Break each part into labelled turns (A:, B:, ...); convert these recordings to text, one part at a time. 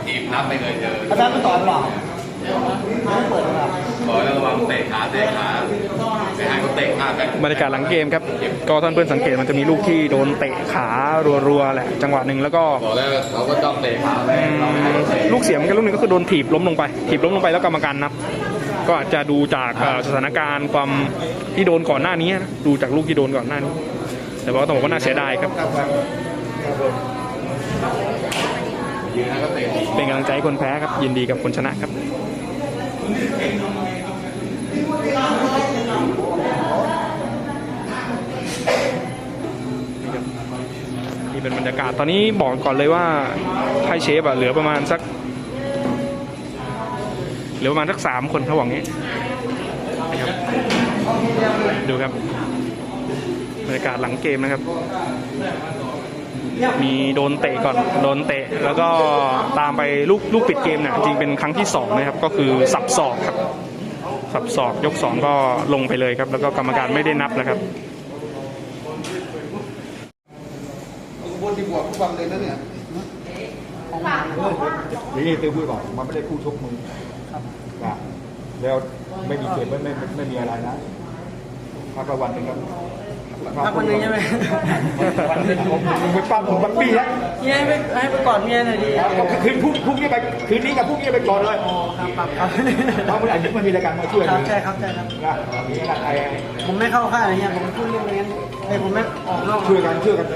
A: ถีบนับไม่เคยเจอ
B: อาจารย์ไม่ต่อยหรอไม่เปิดหรอ
A: ต่อยแล้วระวังเตะขาไม่ให้เขาเตะพลาดไป
C: บรรยากาศหลังเกมครับก็ท่านเพื่อนสังเกตมันจะมีลูกที่โดนเตะขารัวๆแหละจังหวะหนึ่งแล้วก็
A: บอกแล้วเขาก็จ้องเตะขาไปเราไม่ให้เขาเตะ
C: ลูกเสียเหมือนกันลูกหนึงก็คือโดนถีบล้มลงไปแล้วกรรมการนับก็อาจจะดูจากสถานการณ์ความที่โดนก่อนหน้านี้นะดูจากลูกที่โดนก่อนหน้านี้แต่ว่าต้องบอกว่าน่าเสียดายครับ
A: ยืนแล้วก็เตะ
C: เป็นกำลังใจให้คนแพ้ครับยินดีกับคนชนะครับนี่เป็นบรรยากาศตอนนี้บอกก่อนเลยว่าไทยเชฟเหลือประมาณสัก3 คนระหว่างนี้นะครับดูครับบรรยากาศหลังเกมนะครับมีโดนเตะก่อนโดนเตะแล้วก็ตามไปลูกปิดเกมเนี่ยจริงเป็นครั้งที่2นะครับก็คือสับศอกครับสับศอกยก2ก็ลงไปเลยครับแล้วก็กรรมการไม่ได้นับนะครับ
B: บนที่บวกทุกวันเลยนะเนี่ย
D: นี่เต้พูดบอกมันไม่ได้คู่ชกมึงนะแล้วไม่มีเกมไม่มีอะไรนะพักละวันหนึ่งครับ
B: พักวันนึงใช่ไหม
D: วันนึงผมไปปั้มผมบังปี้แล้ว
B: เมียให้ไปกอดเมียหน่อยดิ
D: คืนพรุ่งนี้ไปคืนนี้กับพรุ่งนี้ไปก่อนเลย
B: อ๋อครับ
D: เพราะมันอาจจะมันมีรายการมาช่วย
B: ครับใช่ครับนะ
D: มีอะไร
B: ผมไม่เข้าค่ายอะไรเงี้ยผมพูดเรื่องอะไรงั้นผมไม่ออกนอก
D: ช่วยกัน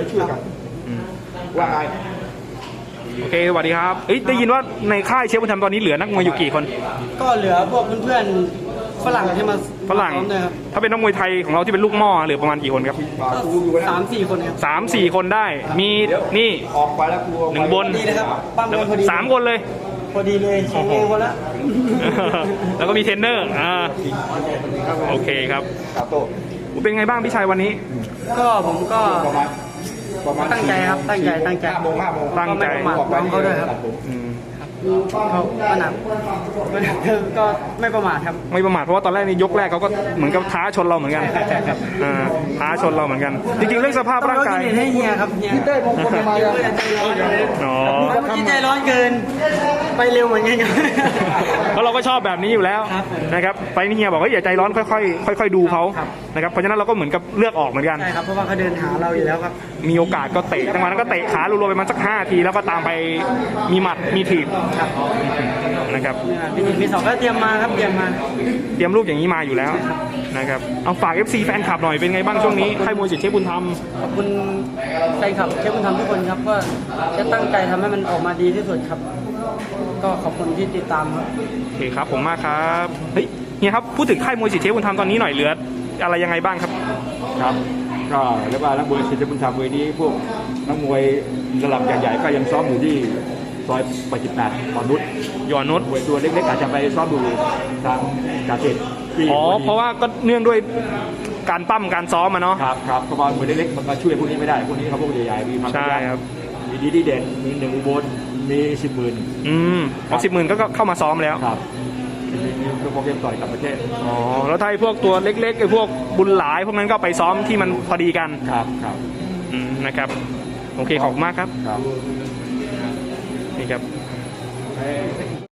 D: ว่าไง
C: โอเคสวัสดีครับได้ยินว่าในค่ายเชฟบุญธรรมตอนนี้เหลือนักมวยอยู่กี่คน
B: ก็เหลือพวกเพื่อนๆฝรั่งที่มา
C: ฝรั่ง
B: ด้วยครับ
C: ถ้าเป็นนักมวยไทยของเราที่เป็นลูกหม้อเหลือประมาณกี่คนครับ
B: ก็3-4 คนครับ
C: 3-4 คนได้มีนี่
D: ออกไปแล้วกลัว
C: หนึ่งบน
B: ดีนะครับปั้มเลยพอดี
C: 3 คนเลย
B: พอดีเลยเชงเองคนละ
C: แล้วก็มีเทรนเนอร์โอเคครับ
D: ครับโต
C: เป็นไงบ้างพี่ชัยวันนี้
B: ก็ผมก็
D: ประมาณ
B: ตั้งใจครับตั้งใจ
D: 5 โมง
C: ตั้งใจ
B: ก็ไม่ประมาทน้องเขาด้วยครับ เขาก็หนักก็ไม่ประมาทครับ
C: ไม่ประมาทเพราะว่าตอนแรกในยกแรกเขาก็เหมือนกับท้าชนเราเหมือนกันท้าชนเราเหมือนกัน จริงๆเรื่องสภาพร่างกาย
B: ต้องให้เฮียครับเฮีย
D: เต้มงคลมาแล้ว
C: อ๋อ
B: เมื่อกี้ใจร้อนเกินไปเร็วเหมือนกันครับ
C: เพราะเราก็ชอบแบบนี้อยู่แล้ว
B: ครับ
C: นะครับไปนี่เฮียบอกว่าอย่าใจร้อนค่อยๆดูเขานะครับเพราะฉะนั้นเราก็เหมือนกับเลือกออกเหมือนกัน
B: ใช่ครับเพราะว่าเขาเดินหาเราอยู่แล้วครับ
C: มีโอกาสก็เตะจังหวะนั้นก็เตะขารัวๆไปมันสัก5 ทีแล้วก็ตามไปมีหมัดมีถีบนะครับ
B: มี2ก็เตรียมมาครับเตรียม
C: ลูกอย่างนี้มาอยู่แล้วนะครับเอาฝาก FC แฟนคลับหน่อยเป็นไงบ้างช่วงนี้ค่ายมวยสิทธิ์เชฟบุญธรรม
B: ขอบคุณแฟนคลับเชฟบุญธรรมทุกคนครับก็จะตั้งใจทำให้มันออกมาดีที่สุดครับ ก็ขอบคุณที่ติดตามครับ
C: โอเคครับผมมากครับเฮ้ยเฮียครับพูดถึงค่ายมวยสิทธิ์เชฟบุญธรรมตอนนี้หน่อยเหลืออะไรยังไงบ้างครับ
D: ครับก็เรียกว่านักมวยศิลปุณธรรมเวทีพวกนักมวยระดับใหญ่ๆก็ยังซ้อมอยู่ที่ซอย88 นุช
C: ยอนุช
D: มวยตัวเล็กๆอาจจะไปซ้อมดูทางกาเกตที่
C: เพราะว่าก็เนื่องด้วยการปั้มการซ้อมมาเนาะ
D: ครับเพราะว่ามวยเล็กๆมันมาช่วยพวกนี้ไม่ได้พวกนี้เขาพวกใหญ่ๆมีความ
C: ใช่ครับ
D: มีดีเด่นมี1 อุบลมี10 หมื่น
C: ของ10,000ก็เข้ามาซ้อมแล้ว
D: ครับมีโปรแกรมต่อยกับประเทศ
C: อ๋อแล้วถ้าไอ้พวกตัวเล็กๆไอ้พวกบุญหลายพวกนั้นก็ไปซ้อมที่มันพอดีกัน
D: ครับ
C: นะครับโอเคขอบคุณมากครับ
D: ครับ
C: นี่ครับ